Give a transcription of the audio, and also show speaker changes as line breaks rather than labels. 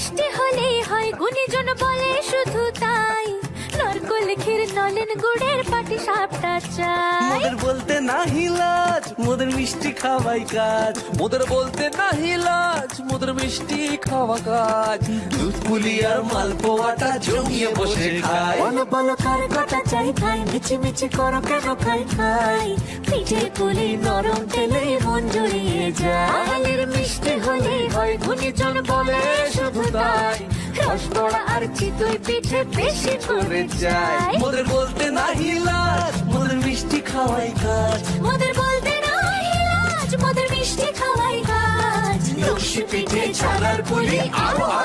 মিষ্টি হলেই হয় গুণীজন বলে শুধু তাই নরকোল ক্ষীর নলেন গুড়ের পাটি সাপটা চাই
মোদের বলতে নাহি লাজ মোদের মিষ্টি খাওয়াই কাজ
মোদের বলতে নাহি লাজ মোদের মিষ্টি খাওয়া কাজ
দুধ পুলি আর মালপোয়াটা জমিয়ে বসে খায়
বলো বলো কার কটা চাই খাই মিছি মিছি করো কেন খাই খাই পিঠে পুলি নরম তেলে মন জড়িয়ে যায় বাঙালির মিষ্টি হলেই হয় গুণীজন বলে শুধু তাই রসবড়া আর চিতই পিঠে বেশি করে যায়
মোদের বলতে নাহি লাজ মোদের মিষ্টি খাওয়াই কাজ
মোদের বলতে নাই লাজ মোদের মিষ্টি খাওয়াই কাজ
লক্ষ্মী পিঠে ছানার পুলি আরো